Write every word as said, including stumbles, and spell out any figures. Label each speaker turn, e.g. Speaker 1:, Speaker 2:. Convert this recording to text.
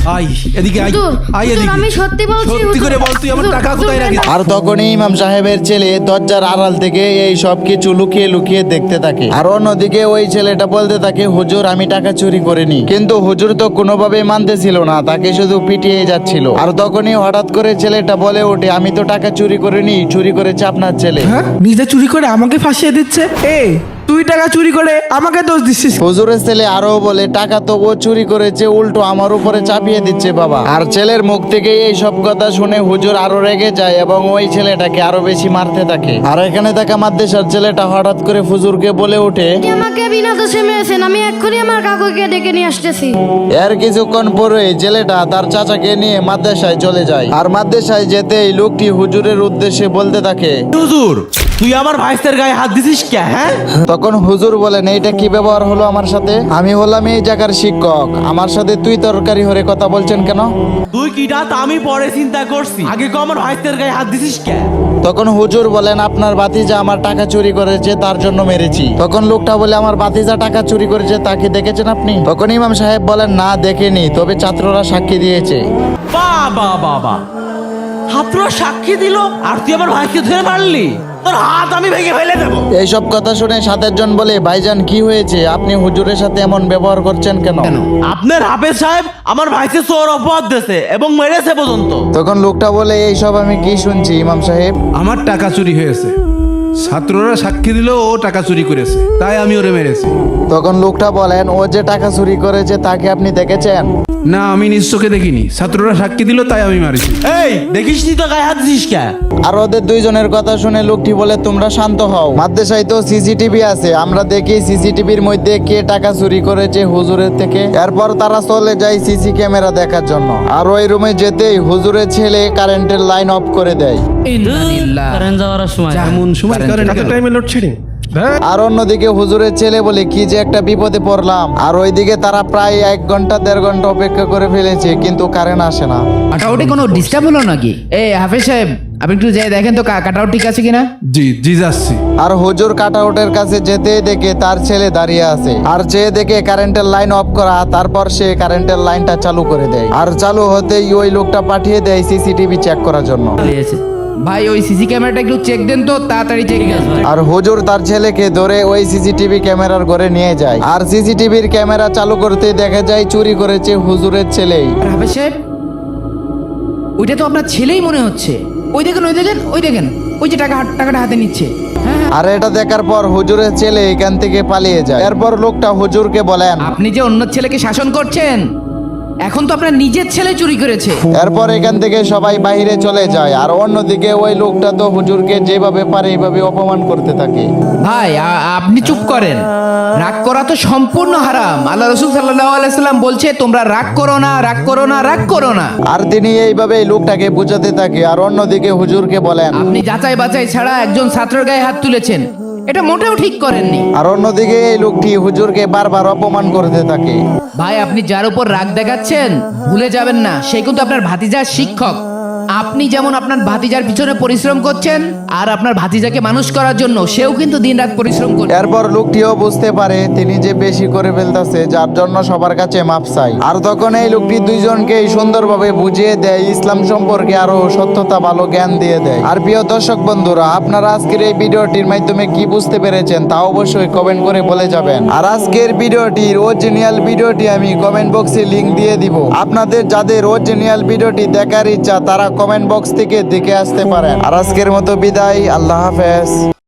Speaker 1: I এদিকে I
Speaker 2: হুজুর,
Speaker 1: I
Speaker 2: হুজুর,
Speaker 1: এদিকে
Speaker 2: আমি সত্যি বলছি,
Speaker 1: সত্যি
Speaker 2: হুজুর।
Speaker 1: করে বল তুই আমার
Speaker 2: হুজুর,
Speaker 1: টাকা
Speaker 2: হুজুর,
Speaker 1: কোথায় রাখিস?
Speaker 3: আর তখনই ইমাম সাহেবের ছেলে দরজার আড়াল থেকে এই সব কিছু লুকিয়ে লুকিয়ে দেখতে থাকে। আর অন্যদিকে ওই ছেলেটা বলতে থাকে, হুজুর আমি টাকা চুরি করিনি। কিন্তু হুজুর তো কোনোভাবে মানতেছিল না, তাকে শুধু পিটিয়ে যাচ্ছিল। আর তখনই হঠাৎ করে ছেলেটা বলে ওঠে, আমি তো টাকা চুরি করিনি, চুরি করেছে আপনার ছেলে।
Speaker 4: হ্যাঁ, নিজে চুরি করে আমাকে ফাঁসিয়ে দিচ্ছে। এ তুই টাকা চুরি করে আমাকে দোষ দিচ্ছিস।
Speaker 3: হুজুরের ছেলে আরো বলে, টাকা তো ও চুরি করেছে, উল্টো আমার উপরে চাপিয়ে দিচ্ছে বাবা। আর ছেলের মুখ থেকে এই সব কথা শুনে হুজুর আরো রেগে যায় এবং ওই ছেলেটাকে আরো বেশি মারতে থাকে। আর এখানে থাকা মাদ্রাসার ছেলেটা হঠাৎ করে হুজুরকে বলে ওঠে,
Speaker 2: আপনি আমাকে বিনা দোষে মেরেছেন, আমি এক্ষুনি আমার কাকুকে ডেকে নিয়ে আসতেছি।
Speaker 3: এর কিছুক্ষণ পরে ছেলেটা তার চাচাকে নিয়ে মাদ্রাসায় চলে যায়। আর মাদ্রাসায় যেতেই লোকটি হুজুরের উদ্দেশ্যে বলতে থাকে,
Speaker 1: হুজুর তুই আমার ভাইস্তের গায়ে হাত দিছিস কে? হ্যাঁ
Speaker 3: তখন হুজুর বলেন, এইটা কি ব্যবহার হলো আমার সাথে? আমি হলাম এই জায়গার শিক্ষক, আমার সাথে তুই তরকারি হরে কথা বলছেন কেন?
Speaker 1: তুই কিটা তা আমি পরে চিন্তা করছি, আগে কো আমার ভাইস্তের গায়ে হাত দিছিস কে?
Speaker 3: তখন হুজুর বলেন, আপনার ভাতিজা আমার টাকা চুরি করেছে, তার জন্য মেরেছি। তখন লোকটা বলে, আমার ভাতিজা টাকা চুরি করেছে, তাকে দেখেছেন আপনি? তখন ইমাম সাহেব বলেন, না দেখেনি, তবে ছাত্ররা সাক্ষী দিয়েছে।
Speaker 1: বাবা বাবা ছাত্ররা সাক্ষী দিল আর তুই আমার ভাইকে ধরে মারলি? তোর হাত আমি ভেঙে ফেলে দেবো।
Speaker 3: এইসব কথা শুনে সাতের জন বলে, ভাইজান কি হয়েছে, আপনি হুজুরের সাথে এমন ব্যবহার করছেন কেন?
Speaker 1: আপনার হাফেজ সাহেব আমার ভাইকে চোর অপবাদ দিয়েছে এবং মেরেছে পর্যন্ত।
Speaker 3: তখন লোকটা বলে, এইসব আমি কি শুনছি ইমাম সাহেব?
Speaker 5: আমার টাকা চুরি হয়েছে, ছাত্ররা সাক্ষী দিল ও টাকা চুরি করেছে, তাই আমি ওরে মেরেছি।
Speaker 3: তখন লোকটা বলেন, ও যে টাকা চুরি করেছে তাকে আপনি দেখেছেন?
Speaker 5: না, আমি নিজ চোখে দেখিনি, ছাত্ররা সাক্ষী দিল তাই আমি মারিছি।
Speaker 1: এই দেখিস নি তো গায়ে হাত দিছিস কে?
Speaker 3: আর ওদের দুইজনের কথা শুনে লোকটি বলে, তোমরা শান্ত হও, মাদ্রাসায় তো সিসিটিভি আছে, আমরা দেখি সিসিটিভির মধ্যে কে টাকা চুরি করেছে হুজুরের থেকে। এরপর তারা চলে যায় সিসি ক্যামেরা দেখার জন্য। আর ওই রুমে যেতেই হুজুরের ছেলে কারেন্টের লাইন অফ করে দেয়।
Speaker 6: কারেন্ট যাওয়ার সময়
Speaker 5: এমন সময় কারেন্ট
Speaker 4: এত
Speaker 5: গেল।
Speaker 4: টাইমে লোডশেডিং।
Speaker 3: আর অন্যদিকে হুজুরের ছেলে বলে, কি যে একটা বিপদে পড়লাম। আর ওইদিকে তারা প্রায় এক ঘন্টা দেড় ঘন্টা অপেক্ষা করে ফেলেছে, কিন্তু কারেন্ট আসে না।
Speaker 7: কাটাউটে কোনো ডিস্টার্ব হলো নাকি? এই হাফেজ সাহেব, আপনি একটু যাই দেখেন তো কাটাউট ঠিক আছে কিনা।
Speaker 5: জি জি যাচ্ছি।
Speaker 3: আর হুজুর কাটাউটের কাছে যেতে দেখে তার ছেলে দাঁড়িয়ে আছে। আর যে দেখে কারেন্টের লাইন অফ করা, তারপর সে কারেন্টের লাইনটা চালু করে দেয়। আর চালু হতেই ওই লোকটা পাঠিয়ে দেয় সিসিটিভি চেক করার জন্য।
Speaker 6: হয়েছে।
Speaker 7: ভাই ওই সিসি ক্যামেরাটা একটু চেক দেন তো, তাড়াতাড়ি চেক।
Speaker 3: আর হুজুর তার ছেলেকে ধরে ওই সিসিটিভি ক্যামেরার ঘরে নিয়ে যায়। আর সিসিটিভির ক্যামেরা চালু করতে দেখা যায় চুরি করেছে হুজুরের ছেলেই।
Speaker 7: হাফেজ সাহেব, ওইটা তো আপনার ছেলেই মনে হচ্ছে। ওই দেখেন ওই দেখেন ওই দেখেন ওই যে টাকা টাকাটা হাতে নিচ্ছে। হ্যাঁ,
Speaker 3: আর এটা দেখার পর হুজুরের ছেলে এখান থেকে পালিয়ে যায়। এরপর লোকটা হুজুরকে বলেন,
Speaker 7: আপনি যে অন্য ছেলেকে শাসন করছেন, এখন তো আপনার নিজের ছেলে চুরি করেছে।
Speaker 3: এরপর এখান থেকে সবাই বাইরে চলে যায়। আর অন্যদিকে ওই লোকটা তো হুজুরকে যেভাবে পারে এইভাবে অপমান করতে থাকে।
Speaker 7: ভাই আ- আপনি চুপ করেন, রাগ করা তো সম্পূর্ণ হারাম। আল্লাহ রসুল সাল্লাল্লাহু আলাইহি সাল্লাম বলছে, তোমরা রাগ করো না, রাগ করো না, রাগ করো না।
Speaker 3: আর তিনি এইভাবে এই লোকটাকে বুঝাতে থাকে। আর অন্যদিকে হুজুরকে বলেন,
Speaker 7: আপনি যাচাই বাছাই ছাড়া একজন ছাত্রের গায়ে হাত তুলেছেন, এটা মোটেও ঠিক করেননি।
Speaker 3: আর অন্যদিকে এই লোকটি হুজুরকে বারবার অপমান করতে থাকে।
Speaker 7: ভাই আপনি যার উপর রাগ দেখাচ্ছেন, ভুলে যাবেন না সে কিন্তু আপনার ভাতিজার শিক্ষক। আপনি যেমন আপনার ভাতিজার পিছনে পরিশ্রম করছেন, আর আপনার ভাতিজাকে মানুষ করার জন্য সেও কিন্তু দিনরাত পরিশ্রম করে।
Speaker 3: এরপর লোকটিও বুঝতে পারে তিনি যে বেশি করে ফেলতেছে, যার জন্য সবার কাছে মাপ চাই। আর তখন এই লোকটি দুইজনকে সুন্দরভাবে বুঝিয়ে দেয়, ইসলাম সম্পর্কে আরো সত্যতা ভালো জ্ঞান দিয়ে দেয়। আর প্রিয় দর্শক বন্ধুরা, আপনারা আজকের এই ভিডিওটির মাধ্যমে কি বুঝতে পেরেছেন তা অবশ্যই কমেন্ট করে বলে যাবেন। আর আজকের ভিডিওটির অরিজিনাল ভিডিওটি আমি কমেন্ট বক্সে লিংক দিয়ে দিব। আপনাদের যাদের অরিজিনাল ভিডিওটি দেখার ইচ্ছা, তারা কমেন্ট বক্স থেকে দেখে আসতে পারেন। আর আজকের মতো বিদায়, আল্লাহ হাফেজ।